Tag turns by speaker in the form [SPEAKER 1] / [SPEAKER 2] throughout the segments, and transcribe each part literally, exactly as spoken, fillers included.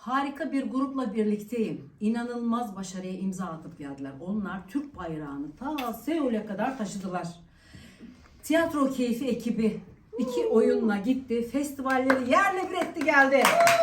[SPEAKER 1] Harika bir grupla birlikteyim. İnanılmaz başarıya imza atıp geldiler. Onlar Türk bayrağını ta Seul'e kadar taşıdılar. Tiyatro Keyfi ekibi iki oyunla gitti. Festivalleri yerle bir etti geldi.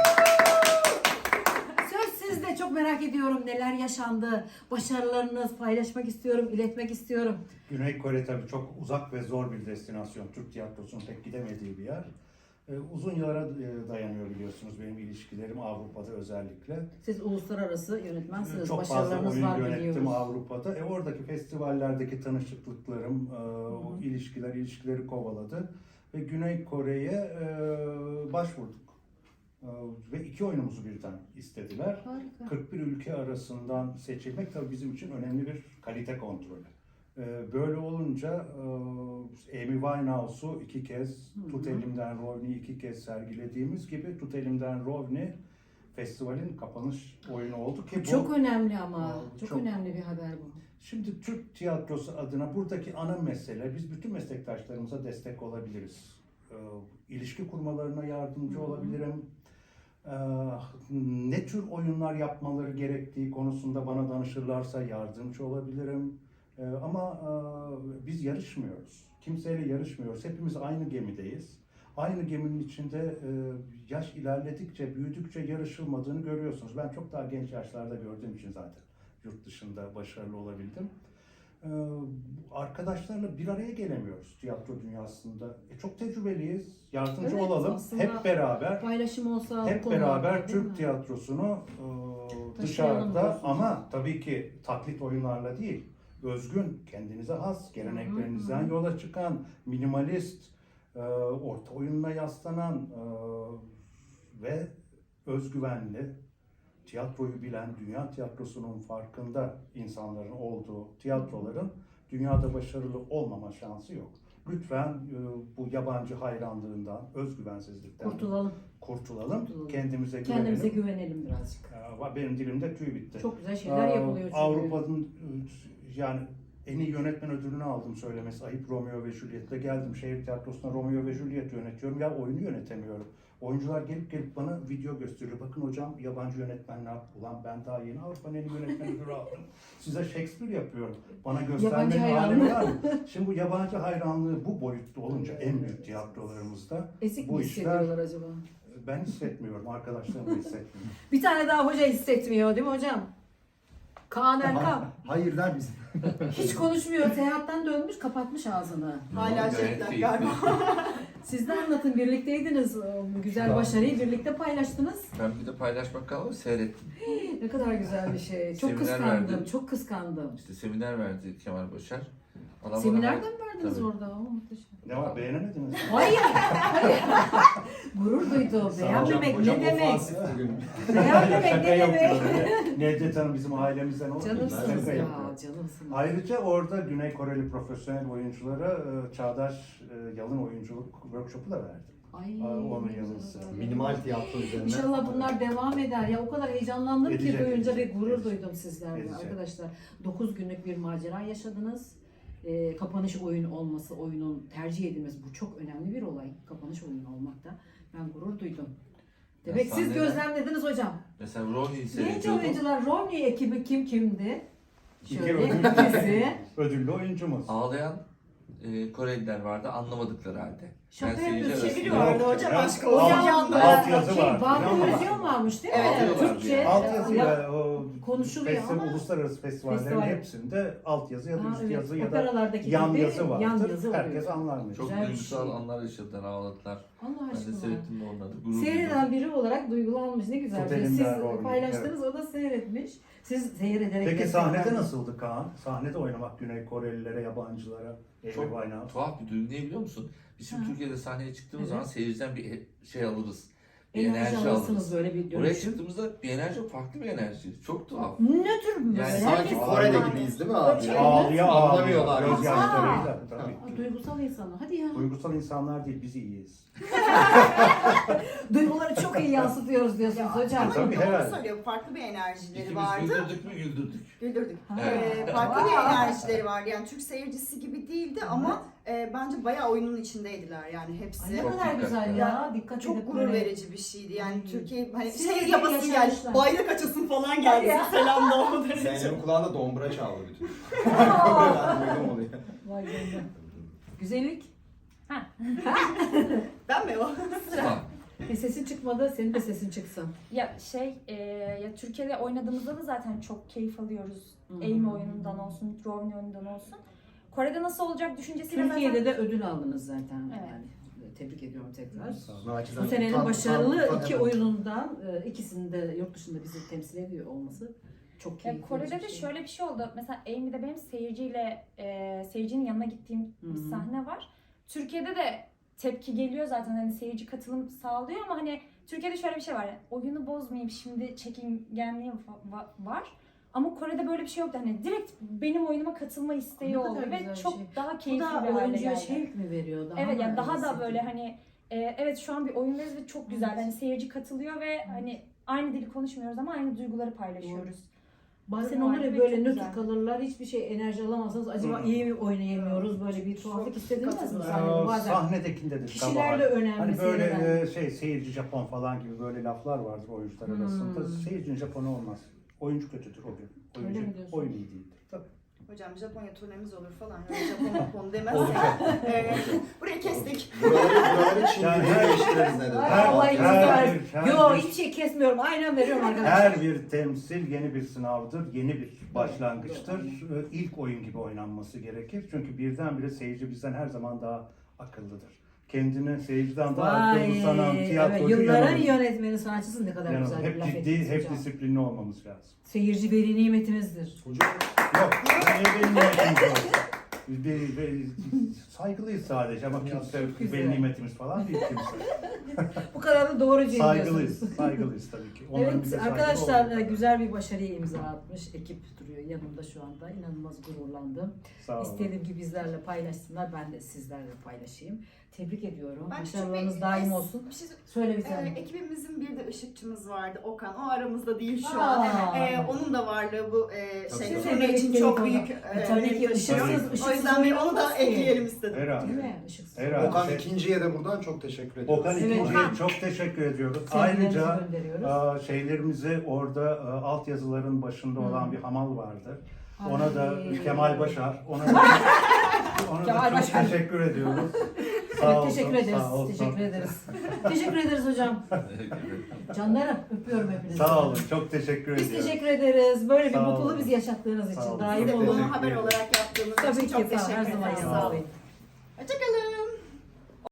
[SPEAKER 1] Söz sizde, çok merak ediyorum neler yaşandı. Başarılarınızı paylaşmak istiyorum, iletmek istiyorum.
[SPEAKER 2] Güney Kore tabii çok uzak ve zor bir destinasyon. Türk tiyatrosunun pek gidemediği bir yer. Ee, uzun yıllara e, dayanıyor biliyorsunuz benim ilişkilerim Avrupa'da özellikle.
[SPEAKER 1] Siz uluslararası yönetmensiniz.
[SPEAKER 2] Çok fazla
[SPEAKER 1] Başarılarınız
[SPEAKER 2] oyun
[SPEAKER 1] var
[SPEAKER 2] yönettim
[SPEAKER 1] biliyoruz.
[SPEAKER 2] Avrupa'da. E, oradaki festivallerdeki tanışıklıklarım, e, o ilişkiler, ilişkileri kovaladı. Ve Güney Kore'ye e, başvurduk. E, ve iki oyunumuzu birden istediler.
[SPEAKER 1] Harika.
[SPEAKER 2] kırk bir ülke arasından seçilmek tabii bizim için önemli bir kalite kontrolü. E, böyle olunca e, Amy Winehouse'u iki kez,
[SPEAKER 1] Hı hı.
[SPEAKER 2] Tut Elimden Rovni'yi iki kez sergilediğimiz gibi Tut Elimden Rovni festivalin kapanış oyunu oldu ki bu
[SPEAKER 1] Çok önemli ama.
[SPEAKER 2] Aa,
[SPEAKER 1] Çok,
[SPEAKER 2] çok-
[SPEAKER 1] önemli bir haber bu.
[SPEAKER 2] Şimdi Türk tiyatrosu adına buradaki ana mesele biz bütün meslektaşlarımıza destek olabiliriz. Ee, ilişki kurmalarına yardımcı
[SPEAKER 1] Hı hı.
[SPEAKER 2] olabilirim. Ee, ne tür oyunlar yapmaları gerektiği konusunda bana danışırlarsa yardımcı olabilirim. Ee, ama e, biz yarışmıyoruz. Kimseyle yarışmıyoruz. Hepimiz aynı gemideyiz. Aynı geminin içinde e, yaş ilerledikçe, büyüdükçe yarışılmadığını görüyorsunuz. Ben çok daha genç yaşlarda gördüğüm için zaten yurt dışında başarılı olabildim. Ee, arkadaşlarla bir araya gelemiyoruz tiyatro dünyasında. E, çok tecrübeliyiz, yardımcı
[SPEAKER 1] Evet,
[SPEAKER 2] olalım.
[SPEAKER 1] aslında
[SPEAKER 2] Hep beraber,
[SPEAKER 1] Paylaşım olsa
[SPEAKER 2] hep
[SPEAKER 1] konularda,
[SPEAKER 2] beraber
[SPEAKER 1] değil
[SPEAKER 2] Türk
[SPEAKER 1] mi?
[SPEAKER 2] tiyatrosunu e,
[SPEAKER 1] Taşıyalım
[SPEAKER 2] dışarıda
[SPEAKER 1] diyorsunuz.
[SPEAKER 2] ama tabii ki taklit oyunlarla değil, özgün, kendinize has, geleneklerinizden
[SPEAKER 1] Hı hı.
[SPEAKER 2] yola çıkan, minimalist, e, orta oyununa yaslanan e, ve özgüvenli, tiyatroyu bilen, dünya tiyatrosunun farkında insanların olduğu tiyatroların dünyada başarılı olmama şansı yok. Lütfen e, bu yabancı hayranlığından, özgüvensizlikten
[SPEAKER 1] Kurtulalım.
[SPEAKER 2] kurtulalım,
[SPEAKER 1] Kurtulalım.
[SPEAKER 2] kendimize güvenelim.
[SPEAKER 1] Kendimize güvenelim birazcık.
[SPEAKER 2] Ee, Benim dilimde tüy bitti.
[SPEAKER 1] Çok güzel şeyler
[SPEAKER 2] Ee,
[SPEAKER 1] yapılıyor çünkü.
[SPEAKER 2] Avrupa'nın e, yani en iyi yönetmen ödülünü aldım söylemesi ayıp, Romeo ve Juliet'le geldim. Şehir tiyatrosuna Romeo ve Juliet yönetiyorum. Ya oyunu yönetemiyorum. Oyuncular gelip gelip bana video gösteriyor. Bakın hocam yabancı yönetmenler, ulan ben daha yeni Avrupa'nın en iyi yönetmen ödülü aldım. Size Shakespeare yapıyorum. Bana
[SPEAKER 1] Yabancı
[SPEAKER 2] göstermenin
[SPEAKER 1] hayranlığı.
[SPEAKER 2] alemi var mı? Şimdi bu yabancı hayranlığı bu boyutta olunca en büyük tiyatrolarımızda
[SPEAKER 1] Esik
[SPEAKER 2] bu
[SPEAKER 1] mi
[SPEAKER 2] işler
[SPEAKER 1] hissediyorlar acaba?
[SPEAKER 2] ben hissetmiyorum. Arkadaşlarım da hissetmiyor.
[SPEAKER 1] Bir tane daha hoca hissetmiyor değil mi hocam? Kaan Erkan.
[SPEAKER 3] Hayır der misin?
[SPEAKER 1] Hiç konuşmuyor. Seyahatten dönmüş, kapatmış ağzını.
[SPEAKER 4] Hala
[SPEAKER 5] Gayet
[SPEAKER 4] şeyler
[SPEAKER 5] keyifli.
[SPEAKER 4] galiba.
[SPEAKER 1] Siz de anlatın. Birlikteydiniz. Bu güzel
[SPEAKER 5] Tamam.
[SPEAKER 1] başarıyı birlikte paylaştınız.
[SPEAKER 5] Ben bir de paylaşmak kalmadı, seyrettim.
[SPEAKER 1] Ne kadar güzel bir şey. Çok
[SPEAKER 5] Seminer
[SPEAKER 1] kıskandım.
[SPEAKER 5] verdi.
[SPEAKER 1] Çok kıskandım.
[SPEAKER 5] İşte seminer verdi Kemal Başar. Adam bana-
[SPEAKER 1] Seminerden mi verdiniz
[SPEAKER 5] Tabii.
[SPEAKER 1] orada? O muhteşem.
[SPEAKER 2] Ne var, beğenemediniz mi?
[SPEAKER 1] Hayır. Hayır. Gurur duydu. Beğenmemek ne demek?
[SPEAKER 3] Bugün.
[SPEAKER 1] Beğenmemek
[SPEAKER 2] Şaka
[SPEAKER 1] ne demek?
[SPEAKER 2] yapıyorum. Nedret Hanım bizim ailemizden olur.
[SPEAKER 1] Canımsınız
[SPEAKER 2] Şaka
[SPEAKER 1] ya.
[SPEAKER 2] yapıyorum.
[SPEAKER 1] Canımsınız.
[SPEAKER 2] Ayrıca orada Güney Koreli profesyonel oyunculara e, çağdaş e, yalın oyunculuk workshopu da verdim.
[SPEAKER 1] Ay.
[SPEAKER 2] Aa, onun yanı sıra.
[SPEAKER 3] Minimal tiyatro üzerine.
[SPEAKER 1] İnşallah bunlar devam eder. Ya o kadar heyecanlandım ki
[SPEAKER 2] Edecek,
[SPEAKER 1] duyunca ve
[SPEAKER 2] edecek,
[SPEAKER 1] gurur
[SPEAKER 2] edecek.
[SPEAKER 1] duydum sizlerle
[SPEAKER 2] Edecek.
[SPEAKER 1] arkadaşlar. dokuz günlük bir macera yaşadınız. Ee, kapanış oyunu olması, oyunun tercih edilmesi bu çok önemli bir olay. Kapanış oyunu olmakta. Ben gurur duydum. Demek
[SPEAKER 5] Ya
[SPEAKER 1] siz
[SPEAKER 5] sahnede-
[SPEAKER 1] gözlemlediniz hocam.
[SPEAKER 5] Mesela Ronnie'yi
[SPEAKER 1] Genç
[SPEAKER 5] seyrediyordum.
[SPEAKER 1] oyuncular, Romney ekibi kim kimdi?
[SPEAKER 2] İki
[SPEAKER 1] Şöyle
[SPEAKER 2] ödül-
[SPEAKER 1] ikisi.
[SPEAKER 2] Ödüllü oyuncumuz.
[SPEAKER 5] Ağlayan e, Koreliler vardı anlamadıkları halde.
[SPEAKER 1] Şaka
[SPEAKER 5] seyirci
[SPEAKER 1] yapıyorsun.
[SPEAKER 5] arasında-
[SPEAKER 4] Çeviri vardı
[SPEAKER 2] Yok
[SPEAKER 4] hocam
[SPEAKER 2] ya.
[SPEAKER 4] aşk
[SPEAKER 1] O
[SPEAKER 4] olsun.
[SPEAKER 2] Alt-
[SPEAKER 1] yanda
[SPEAKER 2] alt yazı
[SPEAKER 1] şey,
[SPEAKER 2] vardı.
[SPEAKER 1] Barbie
[SPEAKER 2] Ama-
[SPEAKER 1] versiyon varmış değil mi?
[SPEAKER 4] Evet,
[SPEAKER 5] evet.
[SPEAKER 1] Türkçe.
[SPEAKER 2] Altyazı
[SPEAKER 1] Ya-
[SPEAKER 2] ya, o
[SPEAKER 1] konuşuluyor
[SPEAKER 2] festival,
[SPEAKER 1] ama-
[SPEAKER 2] uluslararası festivallerin
[SPEAKER 1] Festival.
[SPEAKER 2] hepsinde altyazı ya da
[SPEAKER 1] Ha,
[SPEAKER 2] üst
[SPEAKER 1] evet.
[SPEAKER 2] yazı ya da
[SPEAKER 1] Operalardaki
[SPEAKER 2] yan
[SPEAKER 1] gibi
[SPEAKER 2] yazı vardır.
[SPEAKER 1] yan yazı oluyor.
[SPEAKER 2] Herkes anlar.
[SPEAKER 5] Çok
[SPEAKER 1] Güzel bir
[SPEAKER 5] duygusal
[SPEAKER 1] şey.
[SPEAKER 5] anlar yaşadılar, ağladılar.
[SPEAKER 1] Allah
[SPEAKER 5] Ben de
[SPEAKER 1] aşkına.
[SPEAKER 5] seyrettim de onları. Gurur duydum.
[SPEAKER 1] Seyreden biri olarak duygulanmış. Ne güzel.
[SPEAKER 2] Tut
[SPEAKER 1] bir şey.
[SPEAKER 2] elimden
[SPEAKER 1] Siz
[SPEAKER 2] Romney,
[SPEAKER 1] paylaştınız, o da seyretmiş. Siz seyrederek...
[SPEAKER 2] Peki
[SPEAKER 1] destek
[SPEAKER 2] sahnede
[SPEAKER 1] verdiniz.
[SPEAKER 2] nasıldı Kaan? Sahnede oynamak Güney Korelilere, yabancılara, Amy
[SPEAKER 5] Çok
[SPEAKER 2] Winehouse.
[SPEAKER 5] tuhaf bir duygu, ne biliyor musun? Biz şimdi
[SPEAKER 1] Ha.
[SPEAKER 5] Türkiye'de sahneye çıktığımız
[SPEAKER 1] Evet.
[SPEAKER 5] zaman seyirciden bir şey alırız. Bir
[SPEAKER 1] Enerji
[SPEAKER 5] enerji,
[SPEAKER 1] alırsınız
[SPEAKER 5] alırız.
[SPEAKER 1] böyle bir
[SPEAKER 5] Oraya
[SPEAKER 1] dönüşüm.
[SPEAKER 5] çıktığımızda bir enerji, farklı bir enerji. Çok tuhaf.
[SPEAKER 1] Ne tür böyle?
[SPEAKER 5] Yani
[SPEAKER 3] Sanki Kore'de gibiyiz değil mi abi?
[SPEAKER 1] Öyle.
[SPEAKER 2] Ağlıya ağlıyor,
[SPEAKER 3] Anlamıyorlar.
[SPEAKER 2] gözyaşlarıyla. Tabii.
[SPEAKER 1] Aa, duygusal insanlar. Hadi ya.
[SPEAKER 2] Duygusal insanlar değil, biz iyiyiz.
[SPEAKER 1] Duyguları çok iyi yansıtıyoruz diyorsunuz hocam.
[SPEAKER 4] Ama
[SPEAKER 2] Tabii,
[SPEAKER 4] doğru
[SPEAKER 2] herhalde.
[SPEAKER 4] söylüyor. Farklı bir enerjileri
[SPEAKER 5] İkimiz
[SPEAKER 4] vardı.
[SPEAKER 5] güldürdük mü güldürdük.
[SPEAKER 4] Güldürdük.
[SPEAKER 1] Ha.
[SPEAKER 4] Ee, farklı bir enerjileri vardı. Yani Türk seyircisi gibi değildi ama e, bence bayağı oyunun içindeydiler yani hepsi.
[SPEAKER 1] Ay ne
[SPEAKER 5] Çok
[SPEAKER 1] kadar
[SPEAKER 5] dikkatli.
[SPEAKER 1] güzel ya. Dikkat
[SPEAKER 4] Çok
[SPEAKER 1] edip
[SPEAKER 4] gurur
[SPEAKER 1] böyle-
[SPEAKER 4] verici bir şeydi yani
[SPEAKER 1] Hmm.
[SPEAKER 4] Türkiye hani
[SPEAKER 1] Siz
[SPEAKER 4] şey
[SPEAKER 1] iyi
[SPEAKER 4] yapasın geldi,
[SPEAKER 1] yaşamışlar.
[SPEAKER 4] bayrak açasın falan geldi
[SPEAKER 1] Ya.
[SPEAKER 4] selam da olmadan için.
[SPEAKER 3] Zeynep'in kulağında dombra çaldı bütün.
[SPEAKER 1] Aa!
[SPEAKER 3] Ben duydum onu ya.
[SPEAKER 1] Vay canına. Güzellik.
[SPEAKER 4] Ben mi o?
[SPEAKER 5] Tamam.
[SPEAKER 1] Bir sesin çıkmadı, senin de sesin çıksın.
[SPEAKER 6] Ya şey, e, ya Türkiye'de oynadığımızda da zaten çok keyif alıyoruz.
[SPEAKER 1] Hı hı.
[SPEAKER 6] Aim oyunundan olsun, drone oyunundan olsun. Kore'de nasıl olacak düşüncesiyle
[SPEAKER 1] Türkiye'de
[SPEAKER 6] zaten...
[SPEAKER 1] de ödül aldınız zaten.
[SPEAKER 6] Evet.
[SPEAKER 1] Yani tebrik ediyorum tekrar.
[SPEAKER 3] Naçizane
[SPEAKER 1] Bu senenin
[SPEAKER 3] utan-
[SPEAKER 1] başarılı
[SPEAKER 3] utan- utan-
[SPEAKER 1] iki
[SPEAKER 3] evet.
[SPEAKER 1] oyunundan e, ikisini de yurt dışında bizi temsil ediyor olması çok
[SPEAKER 6] Ya
[SPEAKER 1] keyifli.
[SPEAKER 6] Kore'de
[SPEAKER 1] bir
[SPEAKER 6] de
[SPEAKER 1] şey.
[SPEAKER 6] şöyle bir şey oldu. Mesela Amy'de benim seyirciyle, e, seyircinin yanına gittiğim
[SPEAKER 1] Hı hı.
[SPEAKER 6] bir sahne var. Türkiye'de de tepki geliyor zaten, hani seyirci katılım sağlıyor ama hani Türkiye'de şöyle bir şey var. Yani, oyunu bozmayayım şimdi, çekingenliği va- va- var. Ama Kore'de böyle bir şey yoktu. Hani direkt benim oyunuma katılma isteği
[SPEAKER 1] Ne kadar
[SPEAKER 6] oldu
[SPEAKER 1] güzel
[SPEAKER 6] ve
[SPEAKER 1] bir
[SPEAKER 6] çok
[SPEAKER 1] şey.
[SPEAKER 6] daha
[SPEAKER 1] Bu
[SPEAKER 6] keyifli
[SPEAKER 1] da
[SPEAKER 6] bir hale
[SPEAKER 1] oyuncuya
[SPEAKER 6] geldi.
[SPEAKER 1] şevk mi veriyor? Daha
[SPEAKER 6] Evet,
[SPEAKER 1] mı
[SPEAKER 6] yani daha da
[SPEAKER 1] hissediyor?
[SPEAKER 6] böyle hani e, evet şu an bir oyundayız ve çok güzel.
[SPEAKER 1] Evet.
[SPEAKER 6] Hani seyirci katılıyor ve hani aynı dili konuşmuyoruz ama aynı duyguları paylaşıyoruz.
[SPEAKER 1] Bazen
[SPEAKER 6] Doğru,
[SPEAKER 1] olur ya
[SPEAKER 6] harika,
[SPEAKER 1] böyle
[SPEAKER 6] çok
[SPEAKER 1] nötr
[SPEAKER 6] güzel.
[SPEAKER 1] kalırlar, hiçbir şey enerji alamazsanız acaba
[SPEAKER 2] Hı.
[SPEAKER 1] iyi mi oynayamıyoruz, böyle bir tuhaflık hissedilmez mi
[SPEAKER 4] katılıyorum.
[SPEAKER 1] sahnede
[SPEAKER 2] Ee,
[SPEAKER 1] bazen?
[SPEAKER 2] Sahnedekinde de
[SPEAKER 1] Kişiler de
[SPEAKER 2] kabahat.
[SPEAKER 1] önemli.
[SPEAKER 2] Hani böyle
[SPEAKER 1] seyreden.
[SPEAKER 2] e, şey seyirci Japon falan gibi böyle laflar vardır oyuncular
[SPEAKER 1] Hmm.
[SPEAKER 2] arasında. Seyircinin Japonu olmaz. Oyuncu kötüdür o gün.
[SPEAKER 1] Öyle
[SPEAKER 2] Oyuncu,
[SPEAKER 1] mi diyorsun?
[SPEAKER 2] oyun iyi değildir. Tabii.
[SPEAKER 4] Hocam Japonya turnemiz olur falan. Yani Japon Japon demezsek.
[SPEAKER 2] Olacak.
[SPEAKER 4] e, burayı kestik.
[SPEAKER 3] Buraları, buraları Çin
[SPEAKER 2] Yani
[SPEAKER 3] diye
[SPEAKER 2] her-
[SPEAKER 3] değiştiririz ne dedi.
[SPEAKER 1] Ay,
[SPEAKER 2] Her-
[SPEAKER 1] Allah
[SPEAKER 2] her
[SPEAKER 1] izin versin.
[SPEAKER 2] bir- her
[SPEAKER 1] Yo
[SPEAKER 2] bir-
[SPEAKER 1] hiçbir şey kesmiyorum. Aynen veriyorum arkadaşlar.
[SPEAKER 2] Her bir temsil yeni bir sınavdır, yeni bir başlangıçtır. Ee, İlk oyun gibi oynanması gerekir. Çünkü birdenbire seyirci bizden her zaman daha akıllıdır. Kendini seyirciden daha
[SPEAKER 1] Vay,
[SPEAKER 2] akıllı sanan
[SPEAKER 1] evet,
[SPEAKER 2] tiyatrocu
[SPEAKER 1] yılların
[SPEAKER 2] yanılır.
[SPEAKER 1] yönetmeni, sanatçısı ne kadar
[SPEAKER 2] Yanılır.
[SPEAKER 1] güzel bir
[SPEAKER 2] Hep
[SPEAKER 1] laf
[SPEAKER 2] ciddi,
[SPEAKER 1] ettiniz
[SPEAKER 2] hep
[SPEAKER 1] hocam.
[SPEAKER 2] disiplinli olmamız lazım.
[SPEAKER 1] Seyirci veri nimetimizdir.
[SPEAKER 3] Hocam
[SPEAKER 2] Yok, niye benim nimetimiz olsun? Biz bir, bir, saygılıyız sadece ama kimse
[SPEAKER 1] güzel.
[SPEAKER 2] benim nimetimiz falan değil kimse.
[SPEAKER 1] Bu kadar da doğrucu
[SPEAKER 2] Saygılıyız,
[SPEAKER 1] ediyorsunuz.
[SPEAKER 2] saygılıyız tabii ki. Onların bize
[SPEAKER 1] Evet
[SPEAKER 2] saygılı
[SPEAKER 1] arkadaşlar
[SPEAKER 2] olmalı.
[SPEAKER 1] e, güzel bir başarıya imza atmış ekip duruyor yanımda şu anda. İnanılmaz gururlandım.
[SPEAKER 2] Sağ olun.
[SPEAKER 1] İstediğim gibi bizlerle paylaşsınlar. Ben de sizlerle paylaşayım. Tebrik ediyorum.
[SPEAKER 4] Ben
[SPEAKER 1] Başarılarınız
[SPEAKER 4] çok-
[SPEAKER 1] daim olsun.
[SPEAKER 4] Bir şey
[SPEAKER 1] Söyle bir
[SPEAKER 4] Ee,
[SPEAKER 1] tane.
[SPEAKER 4] ekibimizin bir de ışıkçımız vardı Okan. O aramızda değil şu
[SPEAKER 1] Aa.
[SPEAKER 4] an. Ee, onun da varlığı bu e,
[SPEAKER 3] Tabii,
[SPEAKER 4] şey
[SPEAKER 3] tabii.
[SPEAKER 4] turne için çok büyük e,
[SPEAKER 1] E, tabii ki
[SPEAKER 4] önem taşıyor.
[SPEAKER 1] ışıksız,
[SPEAKER 2] Tabii.
[SPEAKER 1] ışıksız
[SPEAKER 4] O yüzden bir onu
[SPEAKER 1] oynanmaz
[SPEAKER 4] da
[SPEAKER 1] ki.
[SPEAKER 4] ekleyelim istedim.
[SPEAKER 2] Herhalde.
[SPEAKER 1] Değil mi? Işıksız.
[SPEAKER 2] Herhalde.
[SPEAKER 3] Okan
[SPEAKER 2] Şey-
[SPEAKER 3] ikinciye de buradan çok teşekkür ediyoruz.
[SPEAKER 2] Okan
[SPEAKER 1] Evet.
[SPEAKER 2] ikinciye
[SPEAKER 4] Okan.
[SPEAKER 2] çok teşekkür ediyoruz.
[SPEAKER 1] Sevgilerimizi
[SPEAKER 2] Ayrıca
[SPEAKER 1] gönderiyoruz.
[SPEAKER 2] Aa, şeylerimizi orada e, altyazıların başında
[SPEAKER 1] Hı.
[SPEAKER 2] olan bir hamal vardı. Ona
[SPEAKER 1] Ay.
[SPEAKER 2] da Kemal Başar, ona da, ona
[SPEAKER 1] Kemal
[SPEAKER 2] da çok
[SPEAKER 1] Başar.
[SPEAKER 2] teşekkür ediyoruz.
[SPEAKER 1] Evet,
[SPEAKER 2] Sağ olsun,
[SPEAKER 1] teşekkür ederiz.
[SPEAKER 2] sağ olsun.
[SPEAKER 1] Teşekkür ederiz. teşekkür ederiz hocam. Canlarım öpüyorum hepinizi.
[SPEAKER 2] Sağ olun, çok teşekkür
[SPEAKER 1] Biz
[SPEAKER 2] ediyorum.
[SPEAKER 1] teşekkür ederiz. Böyle bir
[SPEAKER 2] Sağ
[SPEAKER 1] mutluluğu
[SPEAKER 2] olun.
[SPEAKER 1] biz yaşattığınız
[SPEAKER 2] Sağ
[SPEAKER 1] için
[SPEAKER 2] olun.
[SPEAKER 1] daim
[SPEAKER 4] Siz de
[SPEAKER 2] Teşekkür
[SPEAKER 1] olun.
[SPEAKER 4] bunu haber
[SPEAKER 2] ederim.
[SPEAKER 4] olarak yaptığınız
[SPEAKER 1] Tabii
[SPEAKER 4] için
[SPEAKER 1] ki
[SPEAKER 4] çok
[SPEAKER 1] sağ olun.
[SPEAKER 4] teşekkür
[SPEAKER 1] Her zaman
[SPEAKER 4] ederim.
[SPEAKER 2] Sağ olun.
[SPEAKER 1] yanınızdayım.
[SPEAKER 4] Hoşçakalın.